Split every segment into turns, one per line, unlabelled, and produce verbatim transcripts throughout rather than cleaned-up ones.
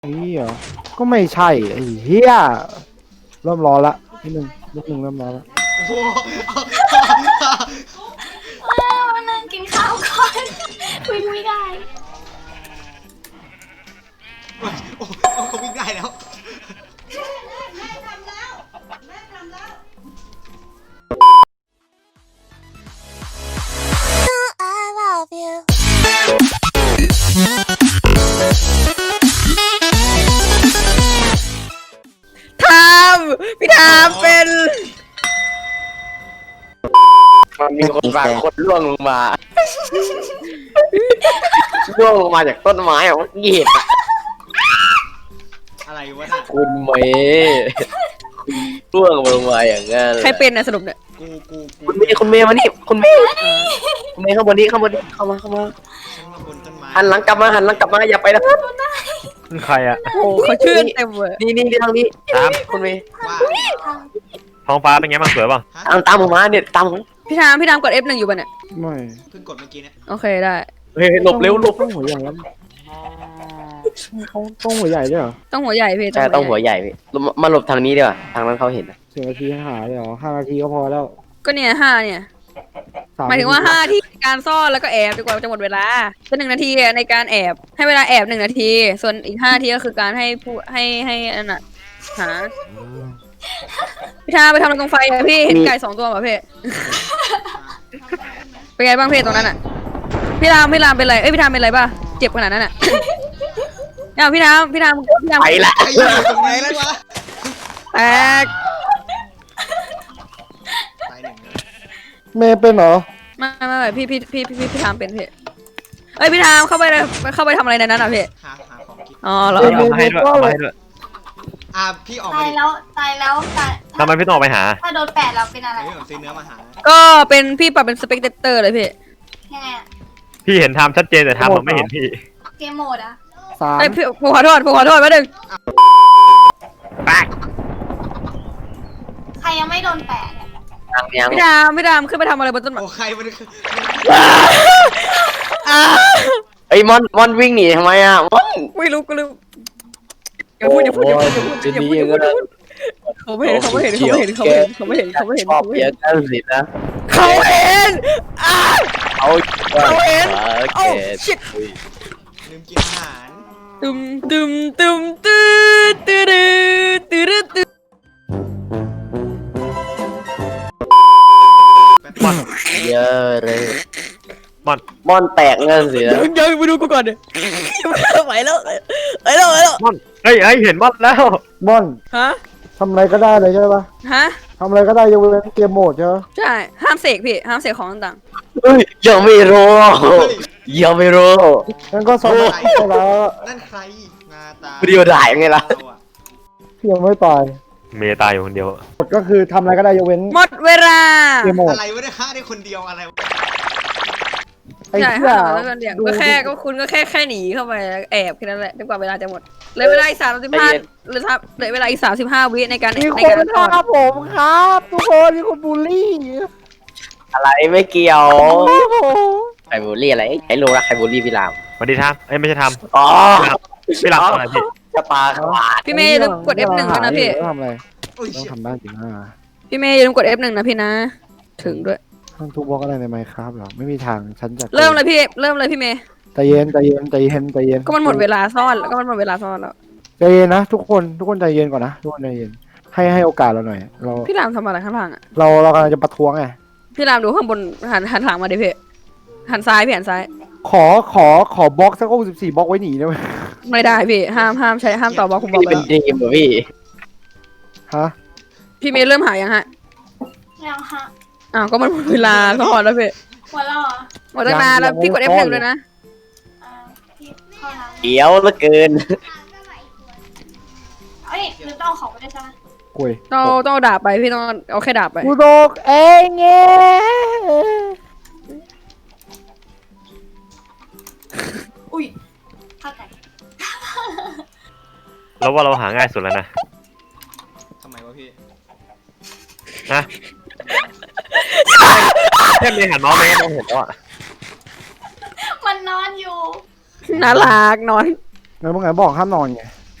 ไอ้เหี้ยก็ไม่ใช่ไอ้เหี้ยเริ่มร้อนละนิดนึงนิดนึงเริ่มร้อนละ
โอ้โห
มานั่งกินข้าวก่อนวิ่งไม่ได้
โอ้โหเขาวิ่งได้แล้ว
ทามพี่ทามเป็น
มันมีคนบางคนล่วงลงมาล่วงลงมาจากต้นไม้อะเหยียบอะ
อะไรวะน่ะ
คุณเมย์คุณล่วงลงมาอย่างงั้น
ใครเป็นนะสรุปเนี่ย
กูกูกู
คุณเมย์คุณเมย์มานี่คุณเมย์คุณเมย์ข้างบนนี้ข้างบนนี้เข้ามาเข้ามา
ฉันมาบนต้นไม้
หันหลังกลับมาหันหลังกลับมาอย่าไปนะ
ใครอะ
โอ้เขาชื่นเต็มเลย
นี่นี่ทางนี้ตามคุณเมย์
ว่า
ท้องฟ้าเป็นไงบ้างสวยป่ะ
ฮะ
ตามตามผมมาเนี่ยตามผม
พี่ทามพี่ทามกด เอฟ หนึ่งอยู่ป่ะเนี่ย
ไม่
เพิ่งกดเมื่อกี้เนี่ย
โอเคได้
เฮ้ยหลบเร็วหลบ
ต้องหัวใหญ่แล้วเขาต้องหัวใหญ่ด้วยเหรอ
ต้องหัวใหญ่พี่
ใช่ต้องหัวใหญ่พี่มาหลบทางนี้ดีกว่าทางนั้นเขาเห็นนะ
สิบนาทีให้หาเลยเหรอห้านาทีก็พอแล้ว
ก็เนี่ยห้าเนี่ย
สาม
หมายถึงว่าห้าที่การซ่อนแล้วก็แอบดีกว่าจะหมดเวลาเป็นหนึ่งนาทีในการแอบให้เวลาแอบหนึ่งนาที ส่วนอีกห้านาทีก็คือการให้ผู้ให้ให้อันน่ะหาพี่ทามไปทำอะไรตรงไฟอะพี่เห็นไก่สองตัวป่ะพี่เป็นไงบ้างพี่ตรงนั้นอะพี่รามพี่รามเป็นไรเอ้ยพี่ทามเป็นไรป่ะเจ็บขนาดนั้นอะเนี่ยพี่ทามพี่ทามพี่ทาม
ไปละ
ไอ้อยู่ตรงไหนแล้ววะ
แตก
ตายหนึ่งเลย
เมย์เป็นเหรอ
ไม่ไม่ไม่พี่พี่พี่พี่พี่ทามเป็นพี่เอ้ยพี่ทามเข้าไปเลยเข้าไปทำอะไรในนั้นอ่ะพี่
หาหาของกิน
อ๋อเหรอ
เอามาให้ด้วยเอามาให้ด้วย
อ่ะพี่ออก
ตา
มาดิ
ยแล้วตายแล้วตาย
ทำไมพี่ต้องออกไปหา
ถ้าโดนแปดเราเป็นอะไร
เฮ้ยผมซื้อเนื้อมาหา
ก็เป็นพี่ปรับเป็นสเปกเตอร์เลยพี่
ยังไงอะ
พี่เห็นทำชัดเจนแต่ทำผมไม่เห็นพี่
เกมโหมดอะ
สาม
ไอ้ยพี่ผมขอโทษผมขอโทษแป๊บนึง
ใครยังไม่โดนแปดอะ
ทางยัง
พี่ทามพี่ทามขึ้นไปทำอะไรบนต้นไม้
โอ้ใครมันคือ
อ่า
ไอ้ยมอนมอนวิ่งหนีทำไมอ่ะมอน
ไม่รู้กูลืมอย่าพูดอย่าพูดอย่าพูดอย่าพูดอย่าพูดอย่าพูดอย่าพูดเขาไม่เห็นเขาไม่เห็นเขาไม่เห็นเขาไม่เห็นเขาไม่เห็นเขาไม่เห็น
ชอบ
เขาไม่
เย
เห็
อะ
น
กันสินะ
เขาเห็นอ่า
เอา
เขาเห็น
โอ
โอ้
เค
ชิต
ลืมกินอาหาร
ตึมตึมตึมตื้อตื้อตื้อตื้อตื้อ
มอน
เยอะเลย
มอน
มอนแตกเงินสินะ
เดี๋ยวไปดูกูก่อนดิไหวแล้วไหวแล้วไหวแล้ว
มอนเฮ้ยเฮ้ยเห็นมอนแล้ว
บอน
ฮะ
ทำอะไรก็ได้เลยใช่ปะ
ฮะ
ทำอะไรก็ได้ยกเว้นเกมโหมดใช่ปะ
ใช่ห้ามเสกพี่ห้ามเสกของต่าง
เฮ้ยยังไม่รู้
เฮ้ย
ยังไม่รู้
งั้นก็สอบไปแล้ว
นั่นใครหน้าตา
วิดีโอถ่ายไงล่ะ
เราอะ
ที่ยังไม่ตาย
เมย์ตายอยู่คนเดียว
ก็คือทำอะไรก็ได้ยกเว้น
ๆหมดเวลา
เกมโหมด
อะไรวะเนี่ยฆ่าได้คนเดียวอะไรวะ
ไอ้
ใช่
เหี้ย
ห้ามแล้วกันเดียวก็แค่ก็คุณก็แค่แค่หนีเข้าไปแอบแค่นั้นแหละจนกว่าเวลาจะหมดเหลือเวลาอีกสามสิบห้าเหลือเหลือเวลาอีกสามสิบห้าวิในการ
มี
ใน
ค
การ
นฆ่าผมครับ ทุกคนมีคนบูลลี่
อะไรไม่เกี่ยว
โอ้โห
ใครบูลลี่อะไรไอ้โลรักใครบูลลี่พี่ราม
สวัสดีทามเอ้ยไม่ใช่ทาม
อ๋อ
พี่หลับอะไรพี่
จะปาขวาน
พี่เมย์อย่าลืมกด เอฟ หนึ่งด้วยนะพี่
ต้องทำอะไร
โอ้ย
ต้อง
เชี่ย
ทำได้จริงอ่ะ
พี่เมย์อย่าลืมกด เอฟ หนึ่งนะพี่นะ ถึงด้วย
ต้องทุบบล็อกอะไรในไมค์ครับเหรอไม่มีทางฉันจะ
เริ่มเลยพี่เริ่มเลยพี่เมย์
ใจเย็นใจเย็นใจเย็นใจเย็น
ก็มันหมดเวลาซ่อนแล้วก็มันหมดเวลาซ่อนแล้ว
ใจเย็นนะทุกคนทุกคนใจเย็นก่อนนะทุกคนใจเย็นให้ให้โอกาสเราหน่อย เรา
พี่รามทำอะไรข้างล่างอ่ะ
เราเรากำลังจะประท้วงไง
พี่รามดูข้างบนหันหันหลังมาดิพี่หันซ้ายพี่หันซ้าย
ขอขอขอบล็อกสักหกสิบสี่บล็อกไว้หนีได้ไหม
ไม่ได้พี่ห้ามห้ามใช้ห้ามต่อบล็อกผมบอก
นี่
ไป
เป็น
แล้ว
ดีมเหรอพี่
ฮะ
พี่เมย์เริ่มหายังฮะ
ยังฮะ
อ้าวก็มันหมดเวลาซ่อนแล้วพี่
หัวเราะเหรอ
หมดตั้งนานแล้วพี่กด เอฟ หนึ่งด้วยนะ
อ่าพี่เข้าน้ำ
เกี่ยวเหลือเกิน
เอ้ยลืมต้องเอาของไปด้วยใช่ไหม
กุย
ต้องต้องเอาดาบไปพี่ต้องเอาแค่ดาบไป
กูโดกเองเงี้ย
อุ้ยเข้าใจ
แล้วว่าเราหาง่ายสุดแล้วนะ
ทำไมวะพี่
นะแค่เมย์หันมองไม่งั้นมองเห็นแล้วอ่ะ
มันนอนอยู่
น่ารักนอน
งั้นเมื่อไงบอกห้ามนอนไง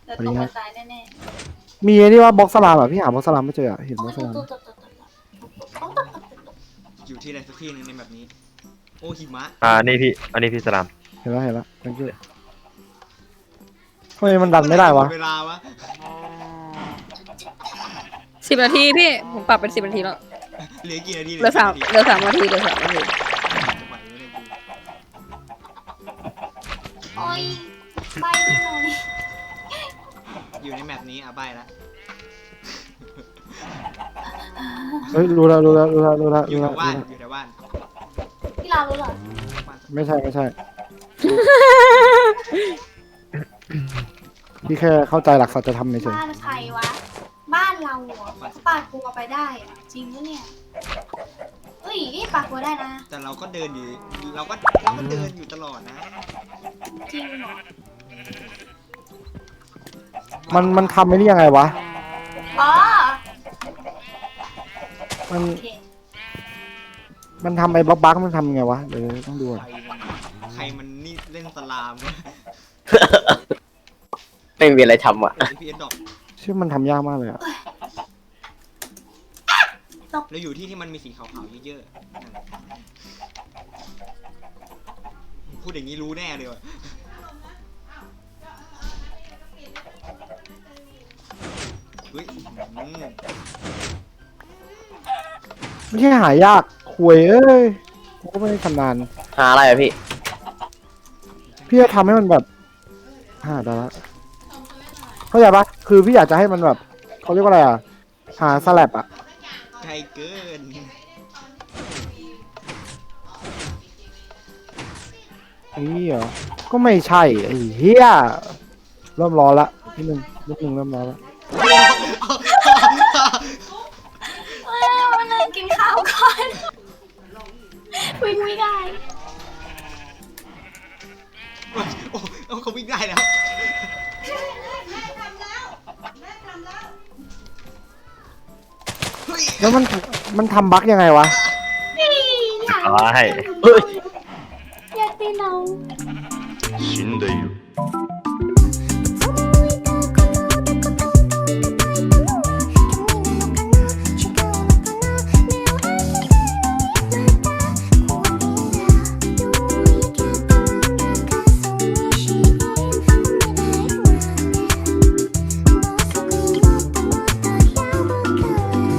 เดี๋ยวตกกระจายแน่
มีไอ้นี่ว่าบล็อกสลามอ่ะพี่หาบล็อกสลามไม่เจออ่ะเห็น
ๆ
บล็อกสลาม
ตุ๊ดตุ๊ดตุ๊ดตุ๊ดตุ๊ดตุ๊ด
อยู่ที่ใดสักที่หนึ่งในแบบนี้ โอ้หิมะ
อ่านี่พี่อันนี้พี่สลาม
เห็นแล้วเห็นแล้ว thank you ทำไมมันดันไม่ได้วะ
เวลาวะ
สิบนาทีพี่ผมปรับเป็นสิบนาทีแล้ว
เหลือกี่นาที
เหลือสามเหลือสามนาทีเหลือสามนาที
จะไหวไหมเนี่ยกู
โอ้ยไปไม่หน่อย
อยู่ในแมปนี้อ่ะใบละ
เฮ้ยรู้แล้วรู้แล้วรู้แล้วรู้แล้ว
อยู่
รู้
แถ
แล้ว
วบ้าน
รู้แล้ว
อยู่แถวบ้าน
พี่ลารู้เหรอ
ไม่ใช่ไม่ใช่ พี่แค่เข้าใจหลักสัจธรรมเฉย
บ้านใครวะ บ้านเราเหรอปาดกลัวไปได้อะจริงปะเนี่ยเฮ้ยนี่ปาดกลัวได้นะ
แต่เราก็เดินอยู่ เราก็เราก็เดินอยู่ตลอดนะ
จริงเหรอ
ๆมันมันทำไม่ได้ยังไงวะ
อ๋อ
มัน
โอเค
มันทำไอ้บล็อกบั๊กมันทำยังไงวะเดี๋ยวต้องดู
ใค
อ่ะ
รมันใครมันนี่เล่นสลาม
ไม่มีอะไรทำอ่ะ
เอพีเอสดอก
ชื่อมันทำยากมากเลยอ่ะ
เราอยู่ที่ที่มันมีสีขาวๆเยอะๆนั่นแหละพูดอย่างนี้รู้แน่เลยว่ะเฮ้ยอืม
ไม่ใช่หายากคุยเอ้ยกูก็ไม่ได้ชำนาญ
หาอะไรอ่ะพี่
พี่จะทำให้มันแบบหาได้ละเข้าใจปะคือพี่อยากจะให้มันแบบเขาเรียกว่าอะไรอ่ะ หาสลับอ่ะ
ไกลเกิน
ไอ้นี่เหรอ ก็ไม่ใช่ไอ้เหี้ยเริ่มร้อนละนิดนึงนิดนึงเริ่มร้อนละ
เอ้ยมานั่งกินข้าวก่อนวิ่งไม่ได้
โอ้โอ้เขาวิ่งได้แล้วเฮ้ย
แล้วมันมันทำบั๊กยังไงวะ
นี่อยาก
ตาย
เฮ้ย
อยากตีน้อง
死んでいる